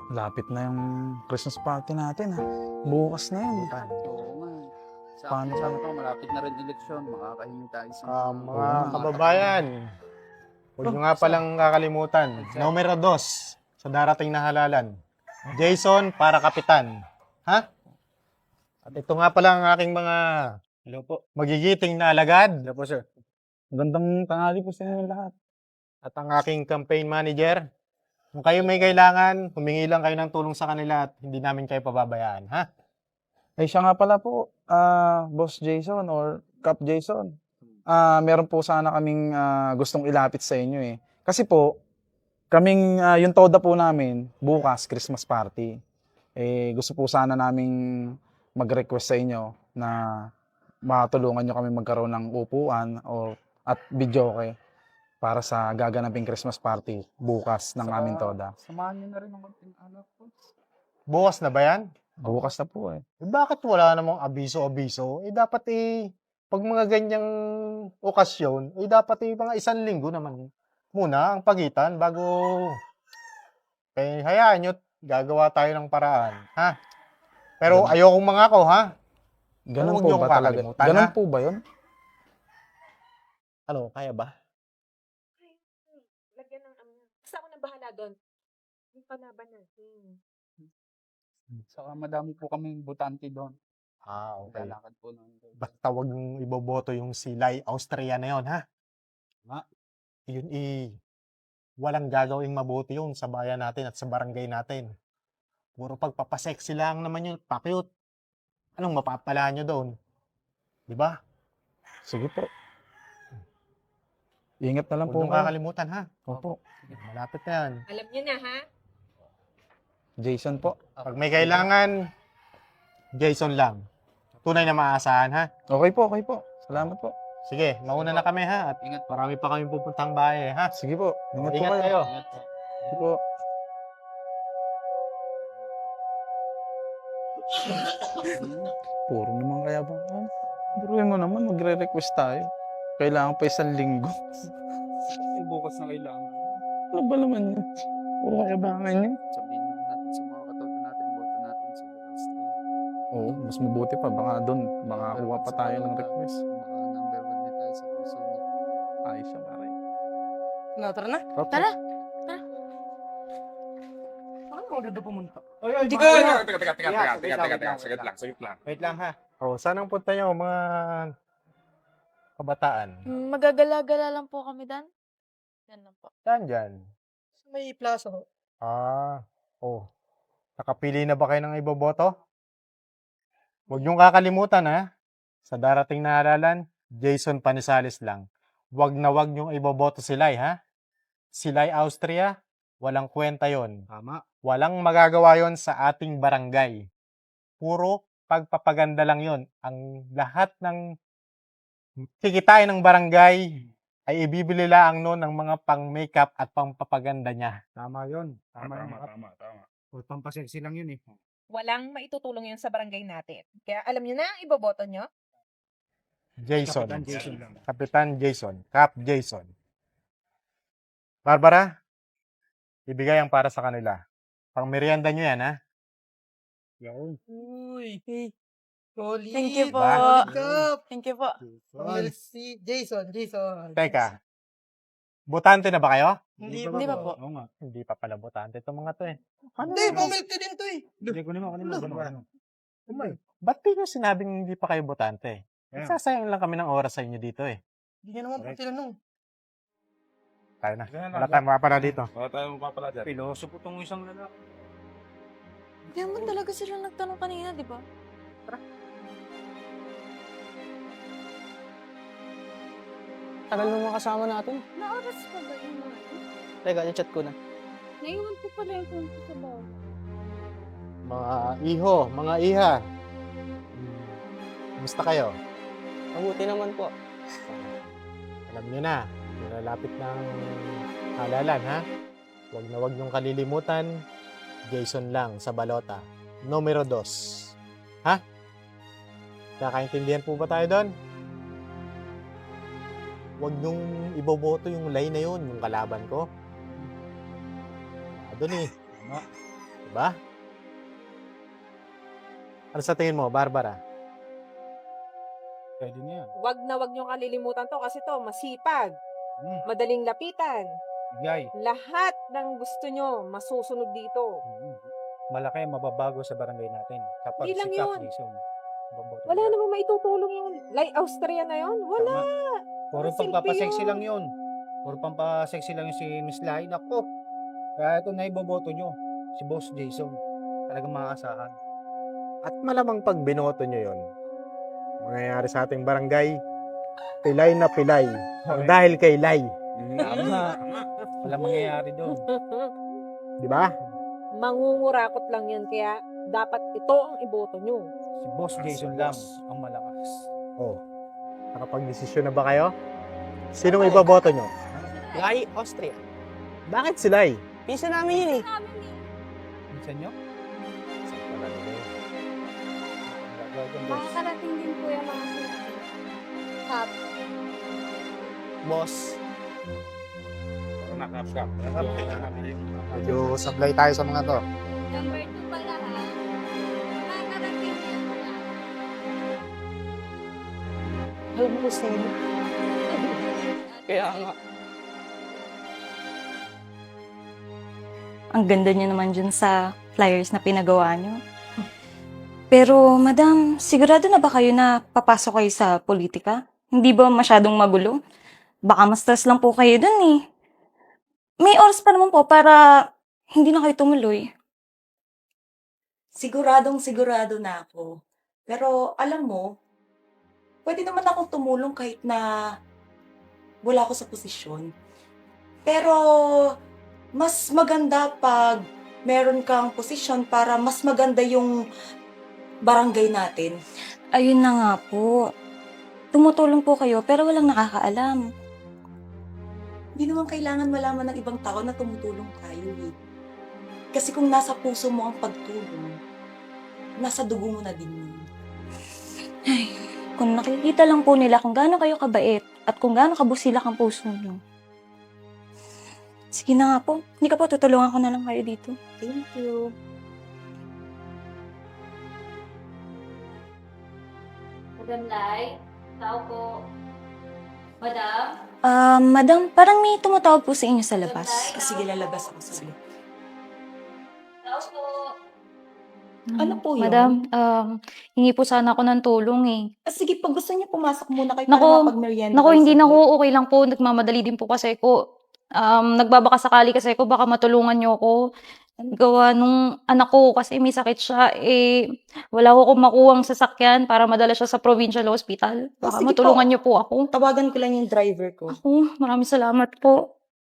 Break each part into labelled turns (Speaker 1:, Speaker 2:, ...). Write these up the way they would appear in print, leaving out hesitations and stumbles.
Speaker 1: Lapit na yung Christmas party natin, ha? Bukas na yun.
Speaker 2: Oo nga.
Speaker 1: Paano
Speaker 2: Sabi ko, malapit na rin eleksyon. Makakahingi tayo sa
Speaker 3: Mga
Speaker 1: Oo nga.
Speaker 3: kababayan, huwag nyo nga palang kakalimutan. Numero 2 sa darating na halalan. Jason para kapitan. Ha? At ito nga pala ang aking mga
Speaker 2: Hello po.
Speaker 3: magigiting na alagad.
Speaker 2: Hello po, sir.
Speaker 1: Magandang tanghali po sa inyo lahat.
Speaker 3: At ang aking campaign manager. Kung kayo may kailangan, humingi lang kayo ng tulong sa kanila at hindi namin kayo pababayaan. Ha?
Speaker 1: Ay, siya nga pala po, Boss Jason or Cap Jason. Meron po sana kaming gustong ilapit sa inyo eh. Kasi po, kaming, yung toda po namin, bukas, Christmas party. Eh, gusto po sana naming mag-request sa inyo na matulungan nyo kami magkaroon ng upuan at videoke para sa gaganaping Christmas party bukas ng aming toda.
Speaker 2: Samahan niyo na rin ang konting alak po.
Speaker 3: Bukas na ba yan?
Speaker 1: Bukas na po eh.
Speaker 3: Eh, bakit wala namang abiso-abiso? Eh dapat pag mga ganyang okasyon, dapat mga 1 linggo naman muna ang pagitan bago hayaan nyo, gagawa tayo ng paraan, ha? Pero ayokong mangako, ha?
Speaker 1: Ganun
Speaker 3: Huwag
Speaker 1: po
Speaker 3: niyo
Speaker 1: ba
Speaker 3: akong
Speaker 1: talaga?
Speaker 3: kakalimutan,
Speaker 1: Ganun
Speaker 3: ha?
Speaker 1: po ba yun?
Speaker 3: Ano, kaya ba?
Speaker 4: Lagyan ng basta ako na bahala doon. Yung panaban natin.
Speaker 2: Saka madami po kami butante doon.
Speaker 3: Okay.
Speaker 2: Lalakad po ng
Speaker 3: Basta wag yung iboboto yung Silay Austria na yon, ha?
Speaker 2: Ma.
Speaker 3: Yun walang gagawing mabuti yun sa bayan natin at sa barangay natin. Puro pagpapasexy lang naman yun, pa-cute. Anong mapapala nyo doon? Di ba?
Speaker 1: Sige po. Ingat na lang
Speaker 3: Huwag
Speaker 1: po
Speaker 3: niyong
Speaker 1: kayo.
Speaker 3: kakalimutan, ha?
Speaker 1: Opo.
Speaker 3: Malapit na yan.
Speaker 4: Alam niyo na, ha?
Speaker 1: Jason po.
Speaker 3: Pag may kailangan, Jason lang. Tunay na maaasahan, ha?
Speaker 1: Okay po, okay po. Salamat po.
Speaker 3: Sige, mauna na kami, ha? At
Speaker 2: Ingat po.
Speaker 3: marami pa kami pupuntang bahay, ha?
Speaker 1: Sige po. Ingat po
Speaker 3: Ingat
Speaker 1: kayo.
Speaker 3: kayo.
Speaker 2: Ingat po.
Speaker 1: Sige po. Puro naman kaya ba? Buruin mo naman, magre-request tayo. Kailangan pa 1 linggo.
Speaker 2: Bukas na kailangan.
Speaker 1: Ano ba naman yun? Puro kayabangan yun.
Speaker 2: Sabihin na natin sa mga katulad natin, boto natin sa Austria.
Speaker 1: Oo, mas mabuti pa. Baka doon, makakuha pa tayo ng request.
Speaker 2: Baka number 1 din tayo sa puso niya.
Speaker 1: Ayos siya, pare.
Speaker 5: Tara na.
Speaker 1: Okay.
Speaker 5: Tara.
Speaker 3: Saan mo dito pumunta?
Speaker 5: Hindi ko.
Speaker 6: Teka. Saglit lang.
Speaker 3: Wait lang, ha? Oh, saan ang punta nyo, mga kabataan?
Speaker 5: Magagala-gala lang po kami dan. Yan lang po.
Speaker 3: Saan dyan?
Speaker 5: May plaza ho.
Speaker 3: Oh. Nakapili na ba kayo ng iboboto? Huwag niyong kakalimutan, ha? Sa darating na halalan, Jason Panisales lang. Huwag na huwag niyong iboboto Silay, ha? Silay Austria, walang kwenta yon.
Speaker 2: Tama.
Speaker 3: Walang magagawa yon sa ating barangay. Puro pagpapaganda lang yon. Ang lahat ng kikitain ng barangay ay ibibili lang noon ng mga pang-makeup at pang-papaganda niya.
Speaker 2: Tama yun. Tama yun.
Speaker 6: Tama.
Speaker 2: O, pampasexy lang yun eh.
Speaker 4: Walang maitutulong yun sa barangay natin. Kaya alam niyo na, iboboto niyo?
Speaker 3: Jason.
Speaker 2: Kapitan Jason lang.
Speaker 3: Kapitan Jason. Cap Jason. Barbara, ibigay ang para sa kanila. Pang merienda nyo yan, ha?
Speaker 2: Yun.
Speaker 5: Uy. Solid.
Speaker 7: Thank you po.
Speaker 5: Cup.
Speaker 7: Thank you po.
Speaker 5: Si Jason.
Speaker 3: Teka, botante na ba kayo?
Speaker 5: Hindi
Speaker 7: pa po.
Speaker 2: Oo nga.
Speaker 3: Hindi pa pala botante itong mga to, eh.
Speaker 5: Hindi, pumilk ka din to eh.
Speaker 2: Hindi ko naman.
Speaker 3: Ba't di nyo sinabing hindi pa kayo botante?
Speaker 2: Yeah.
Speaker 3: Sasayang lang kami ng oras sa inyo dito, eh.
Speaker 5: Hindi niya naman po tinanong.
Speaker 3: Tayo na. Wala tayong mapapala dito.
Speaker 6: Wala tayong mapapala dyan.
Speaker 2: Piloso po tong isang lalaki.
Speaker 7: Hindi naman talaga sila nagtanong kanina, di ba?
Speaker 5: Tagal nung mga kasama natin.
Speaker 8: Naoras pa ba yung mga
Speaker 5: Teka, chat ko na.
Speaker 8: Naiwan ko pala yung phone ko sa bahay.
Speaker 3: Mga iho, mga iha. Kumusta kayo?
Speaker 5: Mabuti naman po.
Speaker 3: Alam nyo na, nilalapit ng halalan, ha? Huwag na huwag niyong kalilimutan, Jason lang sa balota. Numero 2. Ha? Kakaintindihan po ba tayo doon? Huwag niyong iboboto yung line na yun, yung kalaban ko. Doon eh.
Speaker 2: Tama.
Speaker 3: Ba? Ano sa tingin mo, Barbara?
Speaker 2: Pwede na yan.
Speaker 4: Wag niyo kalilimutan to kasi to masipag,
Speaker 2: Hmm.
Speaker 4: madaling lapitan.
Speaker 2: Bigay.
Speaker 4: Lahat ng gusto nyo masusunod dito.
Speaker 2: Malaki ang mababago sa barangay natin. Kapag
Speaker 4: Hindi lang
Speaker 2: si Cap
Speaker 4: yun.
Speaker 2: Jason, baboto
Speaker 4: Wala
Speaker 2: niya.
Speaker 4: namang maitutulong yung like Austria na yon. Wala.
Speaker 2: Puro
Speaker 4: Ang silbi
Speaker 2: pampapasexy
Speaker 4: yun.
Speaker 2: lang yun. Puro pampasexy lang yun si Miss Lai. Nako. Kaya ito na iboboto nyo. Si Boss Jason. Talagang makakasahan.
Speaker 3: At malamang pag binoto nyo yon, mangyayari sa ating barangay, pilay na pilay. Ang dahil kay Lai.
Speaker 2: Tama. Wala mangyayari doon.
Speaker 3: Di ba?
Speaker 4: Mangungurakot lang yan kaya dapat ito ang iboto nyo.
Speaker 2: Si Boss Jason lang ang malakas.
Speaker 3: Oh. Nakapag-desisyon na ba kayo? Sinong ibaboto nyo?
Speaker 9: Lai, Austria.
Speaker 3: Bakit si Lai?
Speaker 9: Pinsan namin yun eh.
Speaker 2: Minsan nyo?
Speaker 8: Makakarating din po yung mga sinabi. Cup.
Speaker 9: Boss.
Speaker 6: Nakapsap.
Speaker 3: Medyo sablay tayo sa mga to.
Speaker 8: Number 2 pala ha. Makakarating din po.
Speaker 9: Alam mo kung sino. Kaya nga.
Speaker 7: Ang ganda niyo naman dyan sa flyers na pinagawa niyo. Pero, madam, sigurado na ba kayo na papasok kayo sa politika? Hindi ba masyadong magulo? Baka mas stress lang po kayo dun eh. May oras pa naman po para hindi na kayo tumuloy.
Speaker 10: Siguradong sigurado na ako. Pero alam mo, pwede naman akong tumulong kahit na wala ako sa posisyon. Pero mas maganda pag meron kang posisyon para mas maganda yung barangay natin.
Speaker 7: Ayun na nga po. Tumutulong po kayo pero walang nakakaalam.
Speaker 10: Hindi naman kailangan malaman ng ibang tao na tumutulong tayo eh. Kasi kung nasa puso mo ang pagtulong, nasa dugo mo na din yun.
Speaker 7: Ay, kung nakikita lang po nila kung gaano kayo kabait at kung gaano kabusilak ang puso niyo. Sige na nga po. Hindi ka po, tutulungan ko na lang kayo dito.
Speaker 10: Thank you.
Speaker 5: Madam Lai, tao po. Madam?
Speaker 7: Madam, parang may tumatawag po sa inyo sa labas.
Speaker 10: Sige, lalabas ako sa iyo.
Speaker 5: Tao po.
Speaker 10: Ano po yun?
Speaker 7: Madam, hingi po sana ako ng tulong eh.
Speaker 10: Sige, pag gusto niyo, pumasok muna kayo
Speaker 7: Naku,
Speaker 10: para mapag-merienda
Speaker 7: Naku,
Speaker 10: kayo
Speaker 7: hindi na
Speaker 10: saglit.
Speaker 7: ho, okay lang po. Nagmamadali din po kasi ko. Nagbabaka sakali kasi ko, baka matulungan niyo ako. Gawa nung anak ko kasi may sakit siya, wala ko akong makuhang sasakyan para madala siya sa provincial hospital. Baka
Speaker 10: sige
Speaker 7: matulungan
Speaker 10: po.
Speaker 7: niyo po ako.
Speaker 10: Tawagan ko lang yung driver ko.
Speaker 7: Ako, maraming salamat po.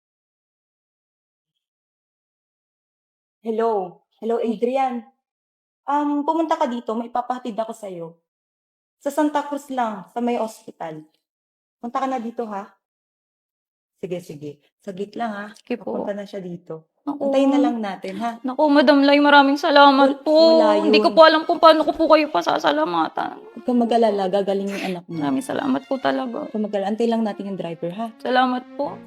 Speaker 10: Hello. Hello, Adrian. Pumunta ka dito. May papahatid ako sa'yo. Sa Santa Cruz lang, sa may hospital. Punta ka na dito, ha? Sige, sige. Saglit lang, ha?
Speaker 7: Sige po.
Speaker 10: Papunta na siya dito.
Speaker 7: Naku.
Speaker 10: Antayin na lang natin, ha?
Speaker 7: Naku, Madam Lai, maraming salamat po.
Speaker 10: Wala yun.
Speaker 7: Hindi ko po alam kung paano ko po kayo pasasalamatan.
Speaker 10: Huwag kang mag-alala. Gagaling yung anak mo.
Speaker 7: Maraming salamat po talaga.
Speaker 10: Huwag kang mag-alala. Antayin lang natin yung driver, ha?
Speaker 7: Salamat po.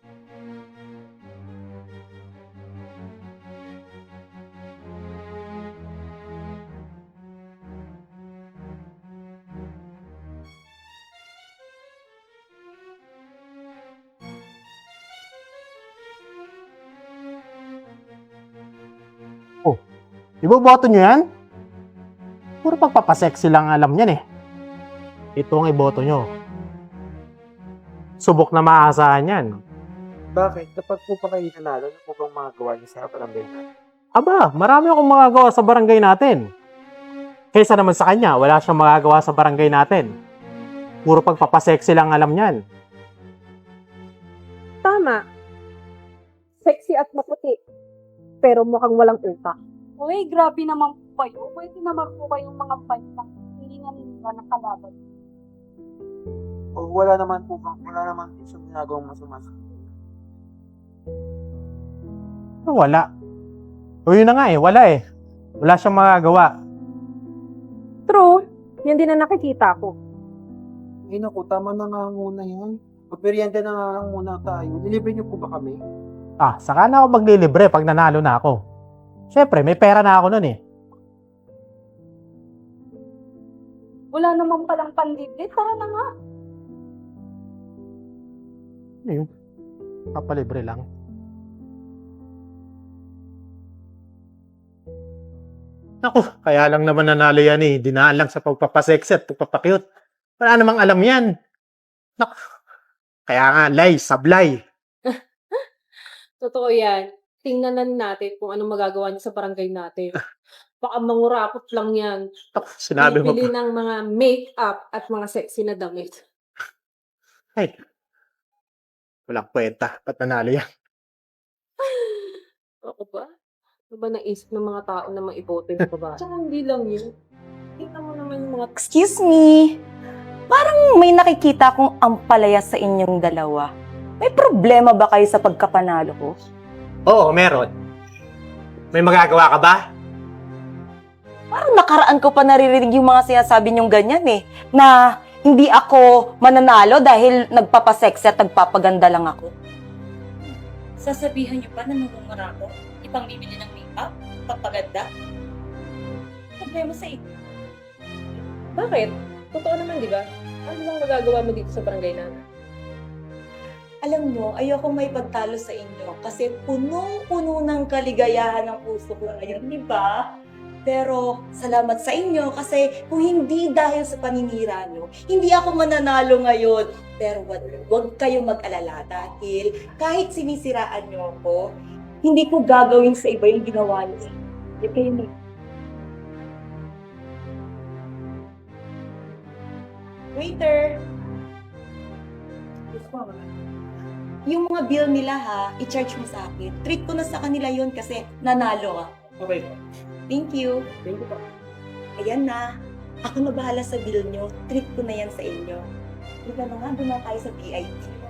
Speaker 3: Iboboto nyo yan? Puro pagpapasexy lang alam yan eh. Ito ang iboto nyo. Subok na maaasahan yan.
Speaker 11: Bakit? Kapag po pa kayo nanalo, ano po bang magagawa niyo sa barangay natin?
Speaker 3: Aba, marami akong magagawa sa barangay natin. Kaysa naman sa kanya, wala siyang magagawa sa barangay natin. Puro pagpapasexy lang alam yan.
Speaker 4: Tama. Sexy at maputi. Pero mukhang walang utak.
Speaker 8: Uy, grabe naman po kayo. Pwede naman po kayong mga banta. Hindi na nila nakalaban.
Speaker 11: O wala naman po siyang ginagawang masama.
Speaker 3: Wala. O yun na nga eh, wala eh. Wala siyang magagawa.
Speaker 4: True. Yan din na nakikita ko.
Speaker 11: Ay naku, tama na nga muna yan. Magmerienda na nga lang muna tayo. Nilibre niyo po ba kami?
Speaker 3: Ah, saka na ako maglilibre pag nanalo na ako. Siyempre, may pera na ako nun eh.
Speaker 8: Wala naman palang panlibre. Tara na nga.
Speaker 3: Ayun, papalibre lang. Naku, kaya lang naman nanalo yan eh. Dinaan lang sa pagpapasexy at pagpapakyut. Wala namang alam yan. Naku, kaya nga, sablay.
Speaker 4: Totoo yan. Tingnan na natin kung anong magagawa niya sa barangay natin. Baka mangurakot lang yan.
Speaker 3: Naku, sinabi mo
Speaker 4: Bibili
Speaker 3: pa.
Speaker 4: ng mga make-up at mga sexy na damit.
Speaker 3: Ay, walang kwenta. Ba't nanalo yan?
Speaker 4: Ako ba? Ano ba naisip ng mga tao na maiboto yung babae? Tsaka hindi lang yun. Tingnan mo naman yung mga
Speaker 7: Excuse me. Parang may nakikita akong ampalaya sa inyong dalawa. May problema ba kayo sa pagkapanalo ko?
Speaker 3: Oo, meron. May magagawa ka ba?
Speaker 7: Parang nakaraan ko pa naririnig yung mga sinasabi niyong ganyan eh. Na hindi ako mananalo dahil nagpapasexy at nagpapaganda lang ako. Sasabihan niyo pa na namumura ako? Ipang bibili ng make-up? Papaganda? Problema sa inyo.
Speaker 4: Bakit? Totoo naman, di ba? Ano bang magagawa mo dito sa barangay natin?
Speaker 10: Alam nyo, ayoko may pagtalo sa inyo kasi punong-puno ng kaligayahan ng puso ko ngayon, di ba? Pero salamat sa inyo kasi kung hindi dahil sa paninira nyo, hindi ako mananalo ngayon. Pero wag kayong mag-alala dahil kahit sinisiraan nyo ako, hindi ko gagawin sa iba yung ginawa nyo. Hindi kayo ni Waiter! Yung mga bill nila ha, i-charge mo sa akin. Treat ko na sa kanila yon kasi nanalo ako.
Speaker 11: Okay.
Speaker 10: Thank you.
Speaker 11: Thank you po.
Speaker 10: Ayan na. Ako na bahala sa bill nyo. Treat ko na yan sa inyo. Ika na nga, doon na tayo sa VIP.